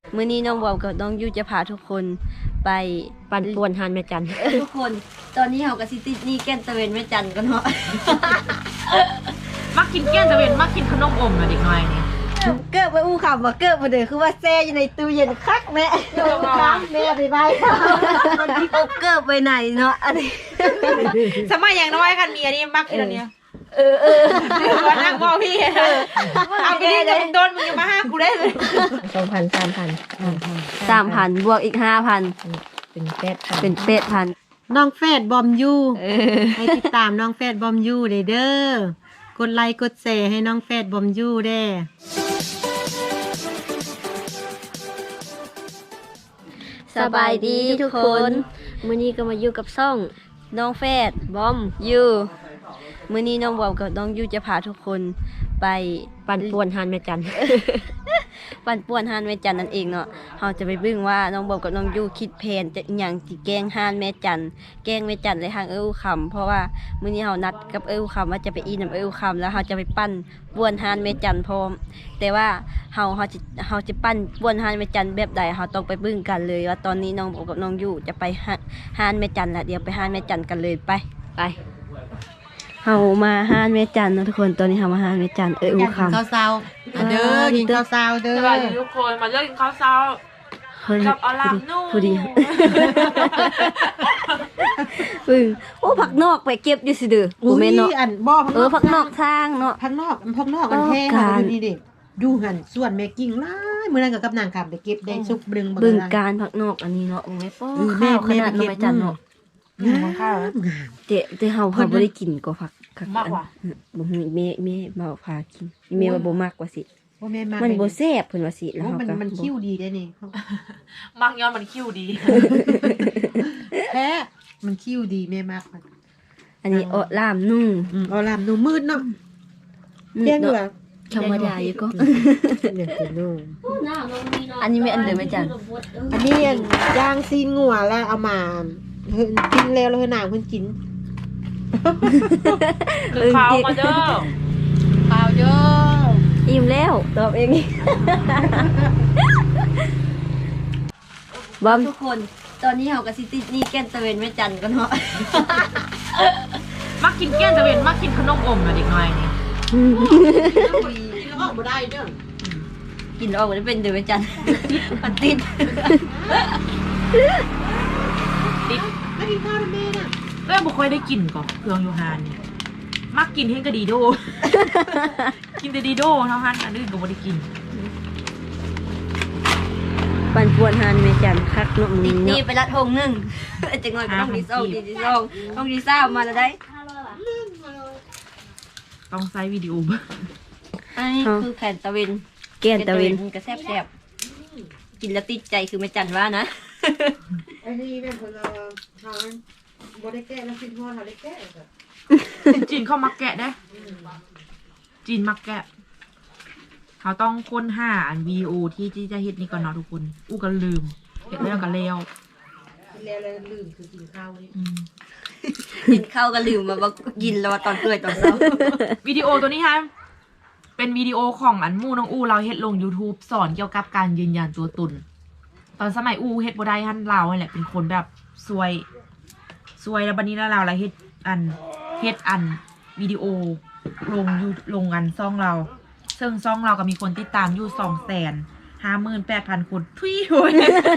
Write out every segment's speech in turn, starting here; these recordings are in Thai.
มื้อนี้น้องบอมกับน้องยูจะพาทุกคนไปปั่นป่วนหานแม่จันทุกคนตอนนี้เรากับซิตินี่แก้นตะเวนแม่จันกันเนาะมักกินแก้นตะเวนมักกินขนมอมนะเด็กน้อยนี่เกิดไปอู้คำว่าเกิดมาเด้อคือว่าแซ่อยู่ในตู้เย็นคักแม่คักแม่ไปมันที่เขาเกิดไปไหนเนาะอันนี้สมัยอย่างน้อยกันมีอันนี้มักกินอันเนี้ยว่านั่งมองพี่เอาไปดิจะโดนมึงอย่ามาห้ามกูได้เลย 2,000 3,000บวกอีก 5,000 เป็น8,000 เป็น8,000 น้องแฟดบอมยูให้ติดตามน้องแฟดบอมยูเด้อกดไลค์กดแชร์ให้น้องแฟดบอมยูเด้สบายดีทุกคนมื้อนี้ก็มาอยู่กับซ่องน้องแฟดบอมยูมื้อนี้น้องบอมกับน้องยูจะพาทุกคนไปปั่นป่วนหานแม่จันปั่นป่วนฮานแม่จันนั่นเองเนาะเราจะไปเบิ่งว่าน้องบอมกับน้องยูคิดแผนจะอหยังสิแกล้งฮานแม่จันแกล้งแม่จันเลยทางคำเพราะว่ามื้อนี้เรานัดกับคำว่าจะไปอีน้ำคำแล้วเราจะไปปั้นป่วนฮานแม่จันพร้อมแต่ว่าเราจะปั้นป่วนฮานแม่จันแบบใดเราต้องไปเบิ่งกันเลยว่าตอนนี้น้องบอมกับน้องยูจะไปฮานแม่จันละเดี๋ยวไปฮานแม่จันกันเลยไปเฮามาฮานแม่จันเนาะทุกคนตอนนี้เฮามาฮานแม่จันกินคำข้าวเช้าเด้อกินข้าวเช้าเด้สอวัสดีทุกคนมาเลิกกินข้าวเช้ากับอลามนู่พอดีโอ้ผักนอกไปเก็บอยู่สิเด้อบ่แม่นเนาะอันบ่ผักนอกทางเนาะพักนอกอันแท้ดูนี่ดิดูหันส่วนแม่กิ่งหลายมื้อนั้นก็กับนางคำไปเก็บได้สุกบึงเบิ่งการผักนอกอันนี้เนาะโอ้แม่ป้อข้าวขนาดน้องแม่จันเนาะของข้าวนะแต่เฮาบ่ได้กินก็ผักมากกว่าบ่ฮู้แม่มาพากินแม่ว่าบ่มักว่าสิว่าแม่มามันบ่แซ่บเพิ่นว่าสิแล้วว่าเฮาก็มันคิ้วดีได้นี่มักย้อนมันคิ้วดีแท้มันคิ้วดีแม่มากมันอันนี้อ้อลามนุ่งเอาลามดูมืดเนาะแจ้งเหรอธรรมดาอยู่ก็เนี่ยคือดูอันนี้ไม่อันเดิมแม่จันอันนี้ย่างซีนงัวแล้วเอามากินแล้วแล้วหนางเพิ่นกินคือข้าวมาเด้อเปล่าเด้ออิ่มแล้วตอบเองบอมทุกคนตอนนี้เฮากับซิตินี่แก้นตะเวนแม่จันกันเนาะมักกินแก้นตะเวนมักกินขนมอมนะเด็กน้อยนี่กินแล้วออกบ่ได้เด้อกินออกมาได้เป็นเดือแม่จันมันติดติดไม่กินข้าวนะแม่น่ะก็ยังบ่ค่อยได้กินก่อนเครื่องยูฮานเนี่ยมักกินเฮงกะดีโด กินแต่ดีโดเท่านั้นอันอื่นก็บ่ได้กินปั่นป่วนฮานแม่จันคักเนาะมึงนี่ไปละทงนึงจังหน่อยก็ต้องมีซ่องดีซ่องต้องดีซ่ามาแล้วได้ต้องใช้วิดีโออันนี้คือแผ่นตะเวนแก้นตะเวนก็แซ่บๆกินแล้วติดใจคือแม่จันว่านะอันนี้เป็นคนละทางบ่ได้แก้แล้วคิดว่าเขาได้แก้ก็จีนเขามักแกะได้จีนมักแกะเขาต้องค้นหาอันวิดีโอที่จะเฮ็ดนี่ก่อนเนาะทุกคนอู้ก็ลืมเฮ็ดแล้วก็แล้วแล้วลืมคือกินข้าวนี่กินข้าวก็ลืมมาว่ากินแล้วตอนเกิดตอนเช้าวิดีโอตัวนี้ฮะเป็นวิดีโอของอันมู่น้องอู้เราเฮ็ดลง YouTube สอนเกี่ยวกับการยืนยันตัวตนตอนสมัยอู้เฮ็ดบ่ได้ฮั่นเราแหละเป็นคนแบบซวยแล้วบัดนี้แล้วเราเฮ็ดอันวิดีโอลงอันซ่องเราซึ่งซ่องเราก็มีคนติดตามอยู่ 258,000 คนทุยโหย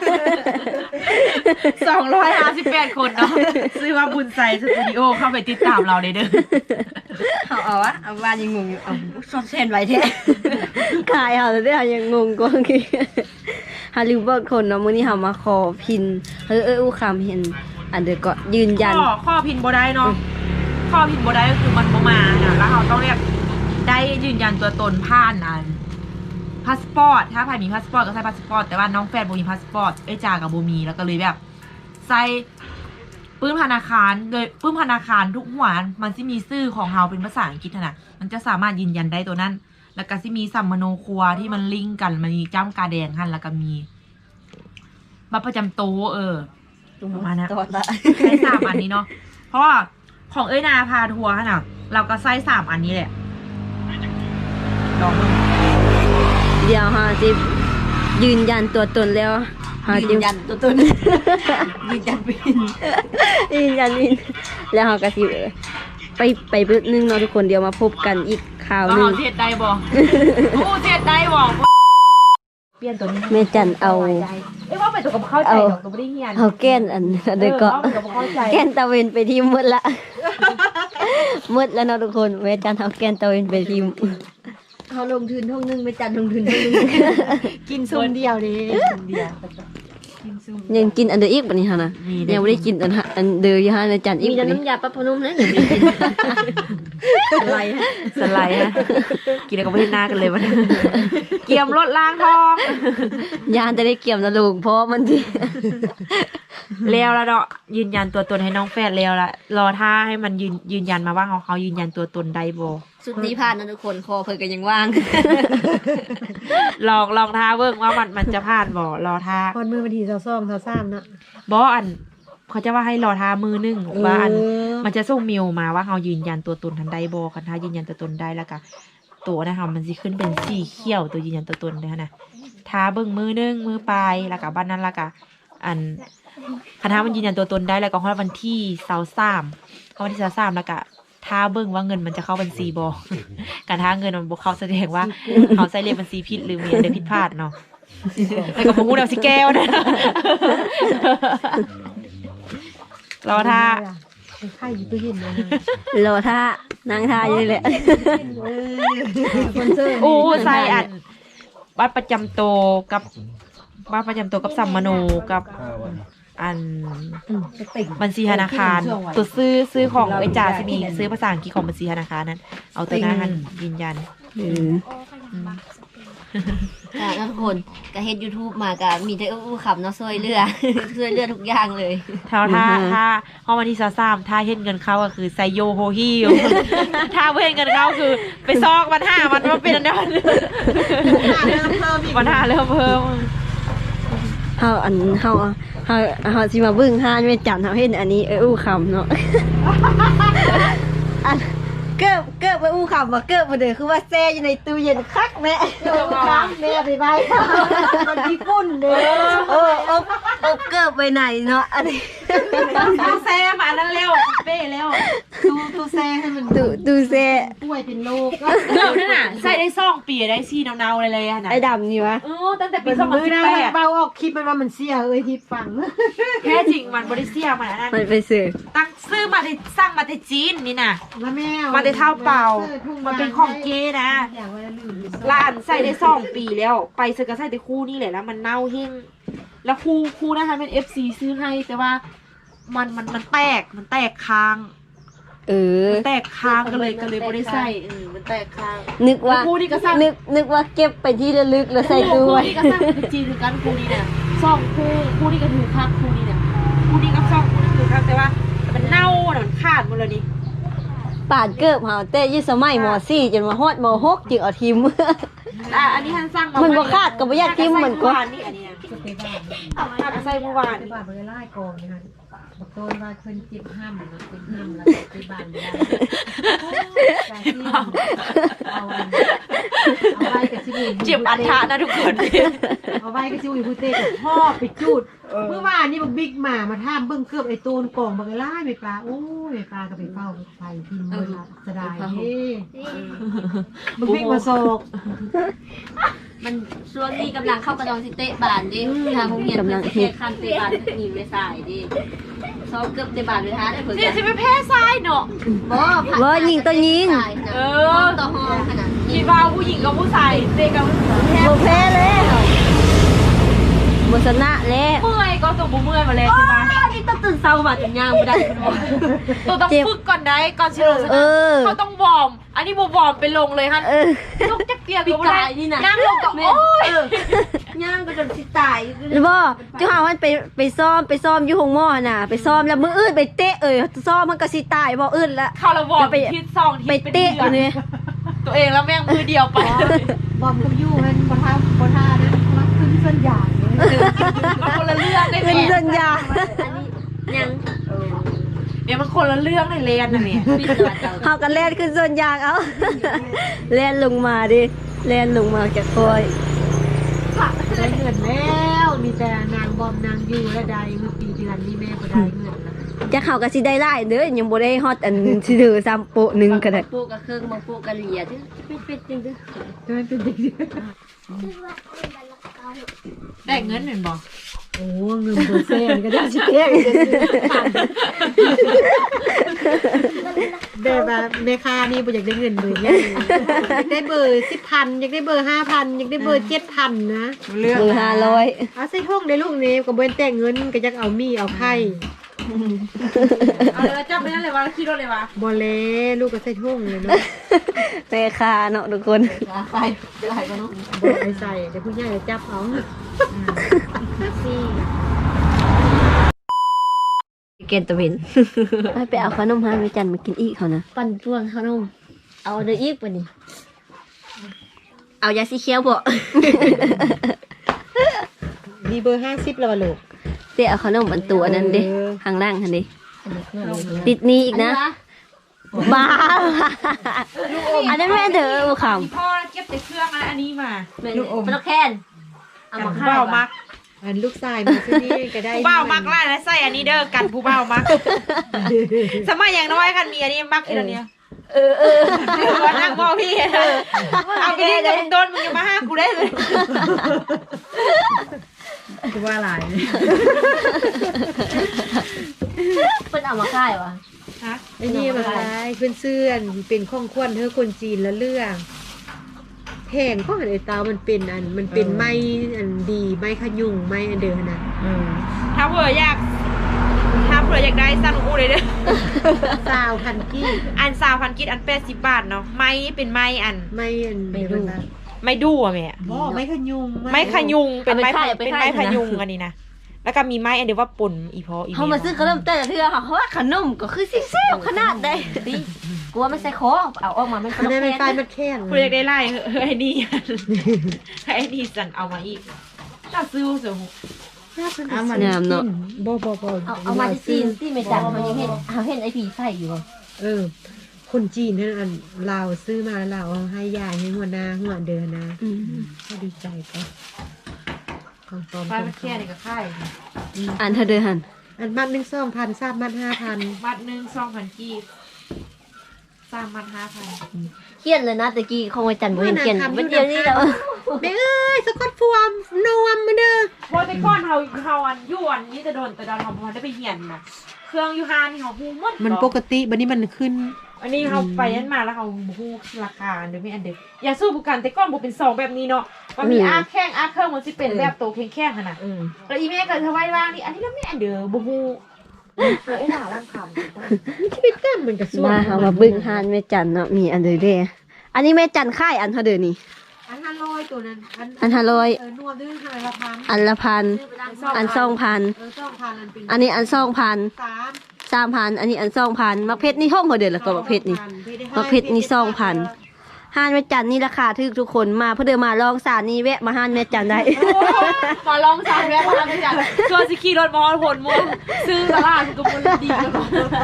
258 คนเนาะซื้อว่าบุญใจสตูดิโอเข้าไปติดตามเราเลยเด้อเอาวะเอาว่ายังงงอยู่เอาซ่อนเส้นไว้แท้ขายเอาแต่เอายังงงกว่าคือฮาริเบิร์ดคนเนาะมื้อนี้เฮามาขอพินอู้คำเห็นอันเดอร์ก็ยืนยันข้อพินบ่ได้เนาะข้อพินบ่ได้ก็คือมันบ่มานะแล้วเราต้องเรียกได้ยืนยันตัวตนผ่านอันพาสปอร์ตถ้าใครมีพาสปอร์ตก็ใส่พาสปอร์ตแต่ว่าน้องแฟนบ่มีพาสปอร์ตจ่ากับบ่มีแล้วก็เลยแบบใส่ปื้มธนาคารโดยปื้มธนาคารทุกหัวมันสิมีชื่อของเฮาเป็นภาษาอังกฤษนะมันจะสามารถยืนยันได้ตัวนั้น แล้วก็สิมีสัมมโนครัวที่มันลิงก์กันมันมีจ้ำกาแดงหั่นแล้วก็มีบัตรประจำตัวประมาณนั้นตอดละใช้3 อันนี้เนาะเพราะว่าของนาพาทัวร์น่ะเราก็ใส่3 อันนี้แหละลองดูเดี๋ยวฮะสิยืนยันตัวตนแล้วเฮายืนยันตัวตน ยืนยันวินยืนยันวินแล้วเฮาก็สิไปเบิดนึงเนาะทุกคนเดี๋ยวมาพบกันอีกข่าวหนึเอางเทียดได้บ่โอ้เทียดได้บ่เปลี่ยนตัวนี้แม่จันเอาเอ้ยว่าไปตัวกับเข้าใจดอกตัวบ่ได้เฮียนเอาแก้นอันเด็กก็เอาไปเข้าใจแก้นตะเวนไปทีมหมดละ หมดแล้วเนาะทุกคนแม่จันเอาแก้นตะเวนไปทีมเขาลงทุนท่องนึงไม่จันลงทุนท่องนึงกินซุมเดียวเด้เดียวยังกินอันเดอร์อีกบัดนี้หั่นน่ะยังบ่ได้กินอันเดอร์อยู่หั่นแม่จันอีกมีบัแต่ดนี้น้ำยาปลาพนุ่มนะอย่างนี้อะไรฮะสไลด์ฮะกินแล้วก็ไม่เห็นหน้ากันเลยมันเกียมรถล้างทองยานจะได้เกี่ยมนะลูกเพราะมันที่แล้วเนาะยืนยันตัวตนให้น้องแฟดแล้วละรอท่าให้มันยืนยันมาว่าเขายืนยันตัวตนได้บ่สุดนี้ผ่านนะทุกคนคอเพิ่นก็ยังว่างลองท่าเบิ่งว่ามันจะผ่านบ่รอท่าพอดมือวันที่22-23เนาะบ่อันเขาจะว่าให้รอท่ามือหนึงว่าอันมันจะส่งเมลมาว่าเขายืนยันตัวตนทันได้บ่คันถ้ายืนยันตัวตนได้แล้วก็ตัวนะคะมันสิขึ้นเป็นสีเขียวตัวยืนยันตัวตนเลยนะท่าเบิ่งมือหนึงมือปลายแล้วก็บ้านนั้นแล้วก็อันคันถ้ามันยืนยันตัวตนได้แล้วก็ฮอดวันที่23วันที่23แล้วก็ถ้าเบิ่งว่าเงินมันจะเข้าบัญชีบ่ การถ้าเงินมันบ่เข้าแสดงว่าเขาใส่เลขบัญชีผิดหรือมีอะไรผิดพลาดเนาะแล้วก็บ่ฮู้แนวสิแก้วนะ รอท่าไข่อยู่ตู้เย็นนะรอท่านางท่าอยู่นี่แหละคนเซอร์โอ้ใส่อันบัตรประจำตัวกับบัตรประจำตัวกับสัมมโนกับอันบัญชีธนาคารตัวซื้อของไอ้จ่าสิมีซื้อภาษาอังกฤษของบัญชีธนาคารนั้น เอาตัวหน้าหันยืนยันค่ะแล้วทุกคนก็เฮ็ด YouTube มาก็มีแต่อู้ขับเนาะช่วยเหลือ ช่วยเหลือทุกอย่างเลยถ้าพอวันที่23ถ้าเห็นเงินเข้าก็คือไซโยโฮฮิว ถ้าเห็นเงินเข้าคือไปซอกวันห้ามันมาเป็นอันนั้นวันห้าเริ่มเพิ่มเฮาสิมาเบิ่งห้านแม่จันเฮาเห็นอันนี้อู้คำเนาะ อันเกิบไปอู้คำบ่เกิบบ่เด้อคือว่าแช่อยู่ในตู้เย็นคักแม่น้ำแม่ไปไว้มันญี่ปุ่นเด้ออบเกิบไปไหนเนาะอันนี้ตู้แซมอันนั้นเร็วเป้เร็วตู้แซ่ให้มันตู้แช่ป่วยเป็นโรคเดี๋ยวนั่นน่ะใส่ได้ซ่องปีได้ซี่เนาๆเลยอะนะไอ้ดำนี่วะตั้งแต่ปีเป็นมือได้ 2018 เบาออกคลิปมันว่ามันเสียเอ้ยที่ฟังแท้จริงมันบริเซียมันอันนั้นมันไปซื้อตั้งซื้อมาได้สร้างมาได้จีนนี่น่ะแล้วแม่มาได้เท่าเปล่ามันเป็นของเกนะอย่างว่าลืมร้านใส่ได้2 ปีแล้ว ไปซื้อก็ใส่แต่คู่นี่แหละแล้วมันเน่าเฮงแล้วคู่นะคะเป็น FC ซื้อให้แต่ว่ามันแตกค้าง มันแตกค้างก็เลยบ่ได้ใส่มันแตกค้างนึกว่าคู่นี่ก็สร้างนึกว่าเก็บไปที่ระลึกแล้วใส่ตู้คู่ไว้นี่ก็สร้างเป็นจีนคือกันคู่นี้เนี่ย2 คู่นี่ก็ถือคักคู่นี้เนี่ยคู่นี้กับ2 คู่นี่ถือคักแต่ว่ามันเน่าน่ะมันขาดหมดเลยนี่ปาดเกิบเฮาแต่อยี่สมัยม .4 จนมาฮอดม .6 จึงเอาทีมอันนี้ท่านสร้างมันบ่ขาดก็บ่อยากทิ่มเหมือนกันนี่อันนี้ถ้าใส่เมื่อวานไปบ้านไปไล่กองนะคะบอกโดนว่าเพิ่นจิบห้ามนะเป็นห้ามแล้วไปบ้านไม่ได้การที่เอาไว้กับชิบุยเจ็บอันทะนะทุกคนเอาไว้กับชิบุยพูเต้กับพ่อไปจูดเมื่อวานนี่บอกบิ๊กมาถามเบิ่งเกือบไอ้ตูนกองบอกไล่ไม่ปลาโอ้ยไม่ปลาก็ไปเฝ้าไฟพิมพ์เลยละสดายเด้บอกบิ๊กมาโศกมันช่วงนี้กำลังเข้ากระดองสิเตะบานดิทางโรงเรียนเพิ่นสิเตะคันเตะบานหนีไปสายดิซ้อมเกือบเตะบานไปหาได้เพิ่นนี่จะไปแพ้ทรายเนาะบ่ยิงตัวยิงต่อห้องขนาดคิดว่าผู้หญิงกับผู้ชายเตะกันบ่แพ้แล้วบ่ชนะแล้วเมื่อยก็ส่งบุเมื่อยมาเลยใช่ปะนี่ต้องตื่นเช้ามาจนย่างบ่ได้คุณตัวต้องฝึกก่อนได้ก่อนชิโร่ชเอนะอเขาต้องวอร์มอันนี้บ่วอร์มไปลงเลยฮะเออลูกจะเกลียดก็ได้นั่งลงกับโอ้ยย่างก็จนสิตายหรือบ่เจ้าหาวันไปซ้อมอยู่ห้องหม้อน่ะไปซ้อมแล้วมื้ออื่นไปเตะซ้อมมันก็สิตายบ่อื่นละเข้าระวอร์มทิศ2ทิศไปเตะอยู่นี่ตัวเองแล้วแม่งมือเดียวไปบอมกับยูมันบ่ท่านะรักขึ้นเส้นใหญ่มันคนละเรื่องได้ไหมเป็นสัญญายังเนี่ยมันคนละเรื่องในเรียนนะเนี่ยปิดตัวเจ้าเฮากันแล่นขึ้นส่วนยางเอา แล่นลงมาดิแล่นลงมาจากคอยได้เงินแล้วมีแต่นางบอมนางอยู่และใดเมื่อปีเดือนนี้แม่ก็ได้เงินแล้วจะเข้าก็สิได้หลายเด้อยังบ่ได้ฮอดอันสิเด้อซ้ำโปะหนึงก็ได้ปลูกกับเครื่องบางปลูกกับเหลียที่เป็นจริงด้วยจะไม่เป็นเด็กได้เงินเหมือนบอกโอ้เงินเบอร์เซ่นก็ได้ชิเก้แบบว่าแม่ค้านี่บ่อยากได้เงินเบอร์เนี่ยอยากได้เบอร์10,000อยากได้เบอร์5,000อยากได้เบอร์7,000นะเรื่องมือ500 เอาใส่ห้องได้ลูกนี้ก็บ่แต่งเงินก็อยากเอามีเอาไข่เอาเลยจับไปนั่นเลยวะขี่รถเลยวะบ่แลลูกก็ใส่ห้องเลยเนาะแม่ค้าเนาะทุกคนไปไปกันเนาะบ่ไปใส่เดี๋ยวผู้ใหญ่จะจับเอาเกณฑ์ตะเวนไปเอาขนมหาแม่จันมากินอีกเขานะปั่นช่วงขนมเอาเด้ออีกปะนี่เอายาสีเขียวบ่มีเบอร์50แล้วว่ะลูกเดี๋ยวเอาขนมอันตัวนั้นเด้เออข้างล่างหั่นเด้ติดนี้อีกนะบ้าอันนั้นแม่เด้อบ่คำพ่อเก็บแต่เครื่องอันนี้มาลูกอมเป็นลูกแคนเอามาผู้ข้าเบ้าว มักอันลูกชายมาที่นี่ก็ได้ผู้เบ้ามักไล่และใส่อันนี้เด้อกันผู้เบ้ามักสมัยอย่างน้อยกันมีอันนี้มักอีกแล้วเนี่ยว่านั่งมองพี่เอาไปดิจะมึงโดนมึงอย่ามาห้ากูได้เลยกูว่าอะไรเป็นเอามาค่ายวะฮะไอ้นี่มาขายเพื่อนเสื่อนเป็นข้องควนเธอคนจีนละเรื่องแพงก็หันไอ้ตามันเป็นมันเป็นไม้อันดีไม้ขยุงไม้อันเดิมนะถ้าเผื่ออยากได้สั่งกูเลยเด้อสาวพันกี้อัน3,000กิจอัน80 บาทเนาะไม้เป็นไม้อันไม้อันเดิมนะไม่ดูอ่ะแม่บ่ไม้ขยุงไม้ขยุงเป็นไม้พยุงอันนี้นะแล้วก็มีไม้อันเดียวว่าป่นอีพออีเขามาซื้อขนมแต่ละเทื่อค่ะเพราะว่าขนมก็คือแซ่บๆขนาดใดดิกลัวไม่ใส่คอเอาออกมามันเป็นอันลูนั้กนเป็นไฟแคนมันแค่นกูอยากได้ไล่ไอ้นี่ไอ้นี่สั่นเอามาอีกน่าซื้อเสือหูงามเนาะบ่เอามาที่จีนที่ไม่จังมันยังเห็นเห็นไอผีใส่อยู่คนจีนนั่นอันลาวซื้อมาลาวเอาให้ยายให้หัวหน้าหัวเดินนะก็ดีใจก็ของปลอมไฟมันแค่นี้ก็ค่ายอันเธอเด้อหั่นอันมัด1 2,000ทราบมัด5,000 มัดหนึ่ง2,000กีบ3 มัด 5,000 เขียนเลยนะตะกี้ของอาจารย์บ่เห็นเขียนมันเดียวนี้แล้วแม่เอ้ยสกอตฟวมนวมมาเด้อพอแต่ก้อนเฮาอันยวนนี่จะโดนแต่ดอนเฮาบ่ได้ไปเหียนนะเครื่องยูฮานนี่เฮาฮู้หมดมันปกติบัดนี้มันขึ้นอันนี้เฮาไปนั่นมาแล้วเฮาฮู้ราคาเดี๋ยวมีอันเดียวอย่าสู้บุกันแต่ก้อนบ่เป็น2แบบนี้เนาะมันมีอาแข้งอาเครื่องมันสิเป็นแบบโตแข็งๆหั่นน่ะแล้วอีแม่ก็เธอไว้ว่างนี่อันนี้แล้วแม่อันเด้อบ่ฮู้ไอ้หน้าร่างคำชีวิตแต้มมันก็สวยมาเฮามาเบิ่งหานแม่จันเนาะมีอันเด้อเด้อันนี้แม่จันค่ายอันเท่าเด้อนี่อัน500ตัวนั้นอัน500 นวมด้วยทางละพันอันละพันอัน2,000 2,000อันเป็นอันนี้อัน2,000 3 3,000อันนี้อัน2,000มักเพชรนี่ห้องเขาเด้อแล้วก็มักเพชรนี่มักเพชรนี่2,000ห้านแม่จันนี่ราคาถูกทุกคนมาเพื่อเดินมาลองสารนี่แวะมาห้านแม่จันได้มาลองสารแวะมาลองจังชวนสิขี่รถมอผลม่วงซื้อตลาดกับมันดีกัน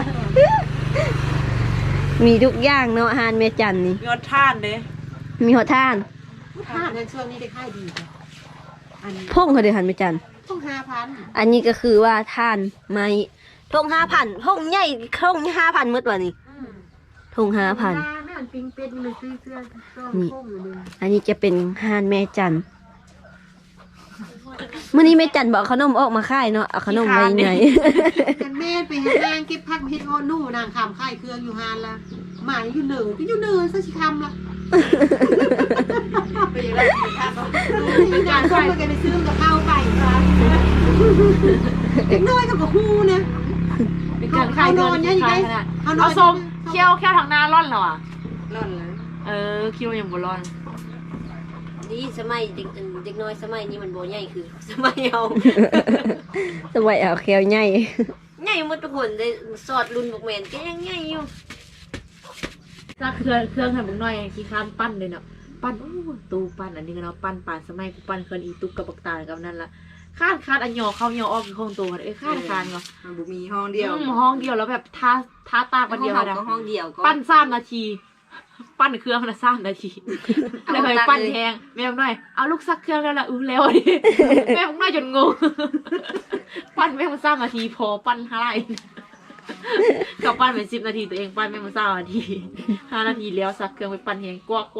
มีทุกอย่างเนาะห้านแม่จันนี่มีรถท่านเด้มีหัวท่านถ้าในช่วงนี้ได้ค่ายดีจ้ะอันพงเขาเด้อหันแม่จันต้อง5,000 อันนี้ก็คือว่าท่านไม้ทง5,000ทงใหญ่ทง5,000หมดว่านี่ทง5,000 แม่อันปิงเป็ดนี่มันซื้อเสื้อโค้งอยู่นึงอันนี้จะเป็นห้านแม่จันมื้อนี้แม่จันบอกขนมออกมาขายเนาะเอาขนมไว้ไหนกันแม่ไปหานางเก็บผักเฮ็ดอ้อนู่นางขามค่ายเครื่องอยู่หานละหมายอยู่เหนือก็อยู่เหนือซะสิคำละเป็นการส่งไปกันไปซื้อกับข้าวไปครับเด็กน้อยกับฮู้นะเป็นการขายเงินขายขนาดเอาส้มเคี่ยวทางหน้าร่อนเหรอวะร่อนเลยคิวยังบ่ร่อนนี่สมัยเด็กน้อยสมัยนี้มันบ่ใหญ่คือ สมัยเอาสมัยเอาแควใหญ่ใหญ่หมดทุกคนเลยสอดรุ่นบอกแม่นก็ยังใหญ่อยู่ถ้าเครื่องให้มึงหน่อยขี้ข้ามปั้นเลยเนาะปั้นโอ้ตูปั้นอันนี้ก็เนาะปั้นปานสมัยกูปั้นเคยอีตุกกับปักตากับนั่นละคาดอันยอเข้ายอออกคือคงตัวคาดเนาะมันบ่มีห้องเดียวห้องเดียวแล้วแบบท่าตากวันเดียวนะก็ห้องเดียวก็ปั้น3 นาทีปั้นเครื่องละ3 นาทีแล้วค่อยปั้นแห้งแม่บอกหน่อยเอาลูกซักเครื่องแล้วล่ะแล้วดิแม่บอกหน่อยจนงงปั้นแม่มัน3 นาทีพอปั้น5 กับปั้นเป็น10 นาทีตัวเองปั้นแม่มัน3 นาที5 นาทีแล้วซักเครื่องไปปั้นแห้งกวัก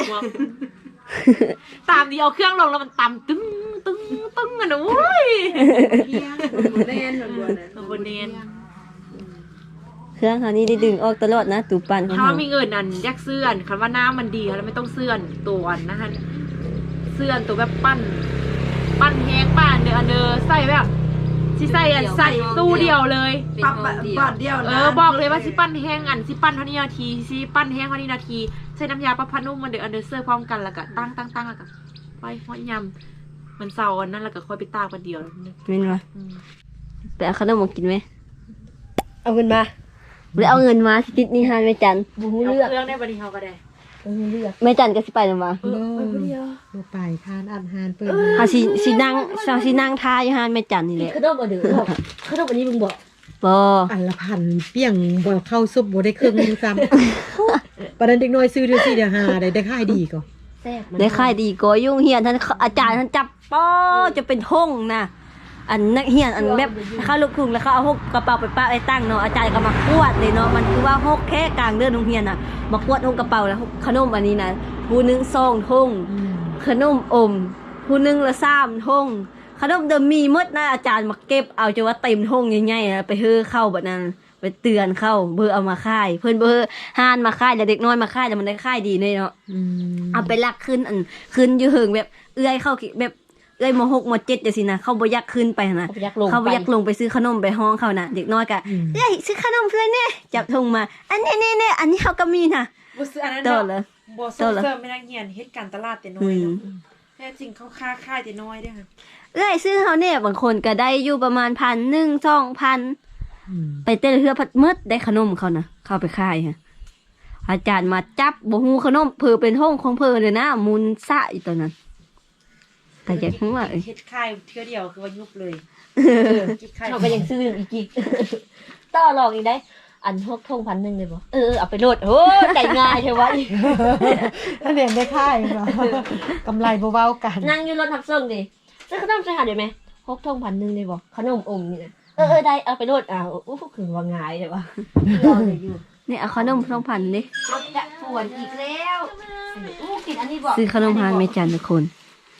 ตามดีเอาเครื่องลงแล้วมันตำตึ้งอ่ะนะโว้ยเล่นบนนั้นบนเนนเครื่องเฮานี่ได้ดึงออกตลอดนะตูปั่นของถ้าเฮามีเงินนั่นยักเสื่อนคันว่าน้ำมันดีแล้วไม่ต้องเสื่อนตัวนะฮะเสื่อนตัวแบบปั้นแห้งปั้นอันเดอใส่แบบสิใส่ตู้เดียวเลยปั๊บบาทเดียวนะบอกเลยว่าสิปั้นแห้งสิปั้นเท่านี้นาทีสิปั้นแห้งเท่านี้นาทีใส่น้ำยาปลาพนุ่มมันเดออันเดอเซอร์พร้อมกันแล้วก็ตั้งแล้วก็ไปหอยยำมันเศร้าอันนั้นแล้วก็ค่อยไปตากวันเดียวแม่นบ่ไปเอาขนมมากินไหมเอาเงินมาหรือเอาเงินมาสิติดนี่ฮานแม่จันบ่ฮู้เอาเลือกเครื่องได้บันทีเขาก็ได้แม่จันก็สิไปนำว่าโลไปทานอาหารเปิดเฮาสินั่งทาอยู่ฮานแม่จันนี่แหละขนมอันเดือดขนมอันนี้มึงบอกบ่อันละพันเปี้ยงบ่เข้าซุปบ่ได้เครื่องนึงซ้ำประเด็นเด็กน้อยซื้อเดือน4เดือน5ได้ขายดีก็แซ่บมันได้ค่ายดีก็ยุ่งเฮียนท่านอาจารย์ท่านจับป้อจะเป็นท่งนะอันนักเฮียนอันแบบเข้าลูกทุ่งแล้วเขาเอาหกกระเป๋าไปป้าไปตั้งเนาะอาจารย์ก็มากวดเลยเนาะมันคือว่าหกแค่กลางเดือนโรงเรียนน่ะมากวดหกกระเป๋าแล้วขนมอันนี้นะผู้หนึง2ท่งขนมอมผู้หนึงละ3ท่งขนมเดิมมีหมดนะอาจารย์มาเก็บเอาจะว่าเต็มท่งใหญ่ๆไปเฮือเข้าแบบนั้นไปเตือนเข้าเบอร์เอามาค่ายเพิ่นเบอร์ห้านมาค่ายแล้วเด็กน้อยมาค่ายแล้วมันได้ค่ายดีเลยเนาะเอาไปลักขึ้นขึ้นอยู่เหิงแบบเอื้อยเข้าแบบเอื้อยม6ม7จังซี่นะเขาบ่อยากขึ้นไปนะเขาไปยักลงเขาบ่อยากลงไปซื้อขนมไปห้องเขานะเด็กน้อยก็เอ้ยซื้อขนมเพื่อนแน่จับธงมาอันนี้อันนี้เขาก็มีนะบ่ซื้ออันนั้นโตเนาะเลยบ่ส่งเสริมไม่นักเรียนเฮ็ดการตลาดแต่น้อยเนาะแท้จริงเขาค่าแต่น้อยเด้อค่ะเอ้ยซื้อเขาเนี่ยบางคนก็ได้อยู่ประมาณ1,000 2,000ไปเต้นเฮือพัดมืดได้ขนมเขานะเข้าไปค่ายฮะอาจารย์มาจับบ่ฮู้ขนมเพิ่นเป็นห้องของเพิ่นเลยนะมุนซะอยู่ตอนนั้นแต่อยากรู้ว่าเฮ็ดค่ายเทื่อเดียวคือว่ายุบเลยคิดค่ายเขาก็ยังซื้ออีกกี่ต่อรองอีกได้ อันพวกทง1,000เลยบ่เอาไปโหลดโอ้ใจง่ายใช่ไหมถ้าเรียนได้ค่ายเนาะกำไรบ่เว้ากันนั่งอยู่รถทับส่งดิซื้อขนมใส่หาได้ไหมพกทง1,000เลยบ่ขนมอมนี่นะได้เอาไปโหลดคือว่าง่ายใช่ปะรอเลยอยู่นี่เอาขนม2,000ดิรถจะปวดอีกแล้วกินอันนี้บอกซื้อขนมฮานแม่จันทุกคน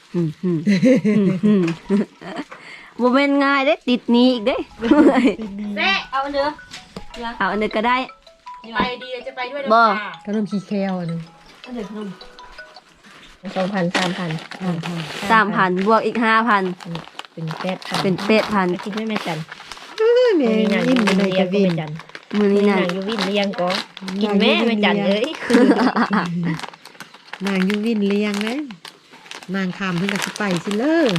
บ่แม่นง่ายเด้ติดหนี้อีกเด้เซ่เอาอันเด้อเอาอันนี้ก็ได้ไปดีจะไปด้วยบ่ขนมขี้แควอันนึงอันเด้อขนม2,000 3,000บวกอีก 5,000 เป็น8,000 เป็น 8,000 กินไม่แม่จันแม่ยิ้มไปเลยจะวินจันมื้อนี้น่ะนางอยู่วินเลี้ยงก็กินแม่ไม่จันเอ้ยนางอยู่วินเลี้ยงนะนางคำเพิ่นก็สิไปสิเด้อ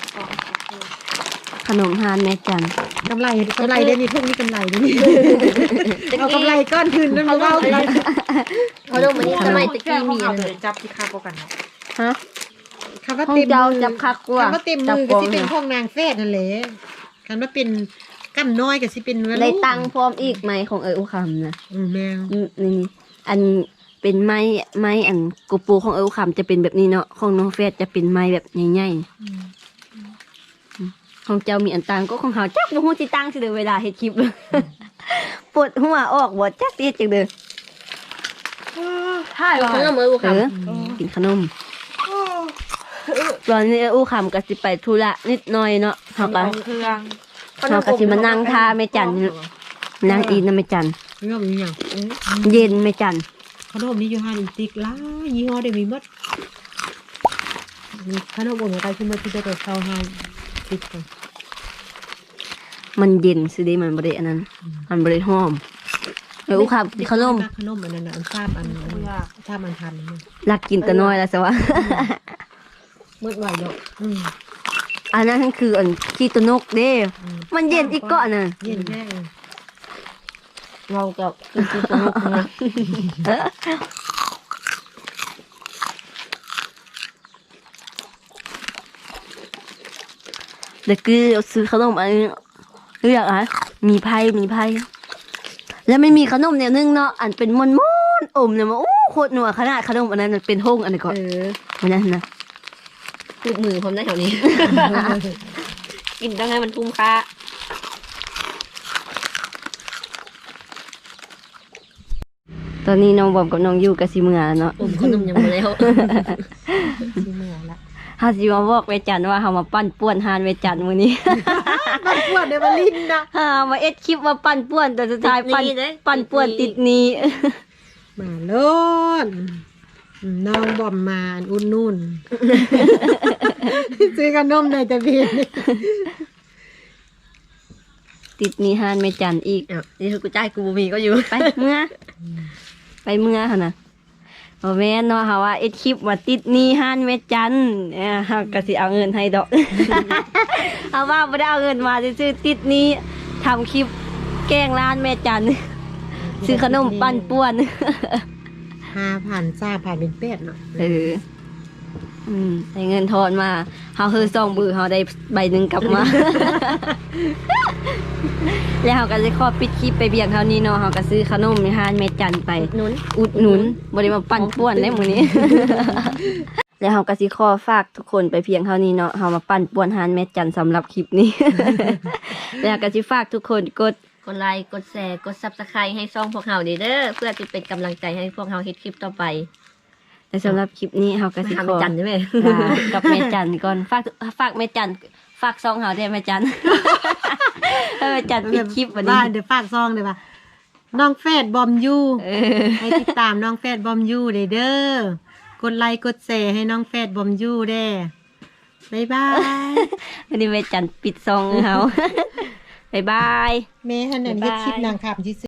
ขนมฮานแม่จันกำไรได้นี่พวกนี้กำไรได้นี่เอากำไรก้อนคืนนั่นมาเว้ากันเขาดูมันนี่ทำไมตะกี้มีเอาอันไปนั้นจับที่ค่าพวกกันเนาะฮะคำว่าห้องเต็มเจ้ามือจับคักกว่าคำว่าเต็มมือก็สิเป็นห้องนางแฟดนั่นแหละคำว่าเป็นกั้นน้อยก็สิเป็นได้ตังค์พร้อมอีกไหมของอุคำนะแมวนี่อันเป็นไม้อันกูปูของอุคำจะเป็นแบบนี้เนาะของน้องเฟสจะเป็นไม้แบบใหญ่ๆของเจ้ามีอันตังก็ของเฮาจักบ่ฮู้สิตังสิเด้อเวลาเฮ็ดคลิป ปวดหัวออกบ่จักสิเฮ็ดจังเด้อถ่ายว่าขนมมือค่ะกินขนมตอนนี้อู้คำก็สิไปธุระนิดหน่อยเนาะเฮาก็เอาเครื่องเฮาก็สิมานั่งท่าแม่จันนั่งอีนำแม่จันขนมนี่หยังเย็นแม่จันขนมนี้อยู่ห้างอีติกหลายยี่ห้อได้มีหมดขนมบ่เหมือนกันคือมันสิได้เข้าห้างติดกันมันเย็นสิเด้มันบ่ได้อันนั้น มันบ่ได้หอมอู้คำขนมขนมอันนั้นน่ะอันทราบอันทราบอันทันนี่รักกินแต่น้อยแล้วซะว่ามืดไหวเนาะอันนั้นคืออันขี้ตะนกเด้ มันเย็นอีกเกาะน่ะเย็นแน่เรากับกินสนุกนะเด็กคือซื้อขนมอันนี้เรียกอะไรมีไพ่แล้วไม่มีขนมแนวนึงเนาะอันเป็นมนอมเนี่ยมาโอ้โคตรนัวขนาดขนมอันนั้นมันเป็นห้องอันนี้ก่อนอันนั้นนะลูกมือผมได้แถวนี้ กินต้องให้มันคุ้มค่าตอนนี้น้องบอมกับน้องยูกับสิเมือเนาะอมขนมยังไม่แล้วที่เมื่อละเฮาสิมาบอกเวจันทร์ว่าเฮามาปั้นป่วนฮานเวจันทร์มื้อนี้มันปวดเดี๋ยวมันลิ้นนะมาเอ็ดคลิปมาปั้นป่วนแต่สุดท้ายปั้นป่วนติดหนี้มาโลดน้องบอมมาอุ่นนุ่น ซื้อขนมในตะเบียนติดหนี้ฮานเวจันทร์อีกนี่คือกูจ่ายกูบ่มีก็อยู่ไปเมื่อหั่นน่ะบ่แม่นเนาะเฮาว่าเอ็ดคลิปมาติดหนี้ฮานเวจันทร์เฮาก็สิเอาเงินให้ดอก เอาว่าบ่ได้เอาเงินมาซื่อๆติดหนี้ทำคลิปแกล้งร้านแม่จันทร์ซื้อขนมปั้นป่วน 5,000ซ่าผ่านเป็นเป็ดเนาะได้เงินทอนมาเฮาคือ2มือเฮาได้ใบหนึงกลับมา แล้วเฮาก็จะขอปิดคลิปไปเบียงเท่านี้เนาะเฮาก็ซื้อขนมในห้านแม่จันไป อุดหนุนบ่ได้มาปั่นป่วนได้มื้อนี้ แล้วเฮาก็สิขอฝากทุกคนไปเพียงเท่านี้เนาะเฮามาปั่นป่วนห้านแม่จันสำหรับคลิปนี้ แล้วก็สิฝากทุกคนกดกดไลค์กดแชร์กด Subscribe ให้ช่องพวกเราเด้อเพื่อจะเป็นกำลังใจให้พวกเราเฮ็ดคลิปต่อไปและสำหรับคลิปนี้เฮาก็มาสิหาขแม่อจันใช่ไหมลากับแม่จันก่อนฝากแม่จันฝากซองเฮาได้แม่จัน ให้แม่จันปิดคลิปวันนี้บ้านเดี๋ยวฝากซองเดี๋ยวว่าน้องแฟดบอมยูเออให้ติดตามน้องแฟดบอมยูเด้อกดไลค์กดแชร์ให้น้องแฟดบอมยูเด้บ๊ายบายวันนี้แม่จันปิดซองเฮา บ๊ายบายแม่ฮันนั่นเฮ็ดคลิปนางขับ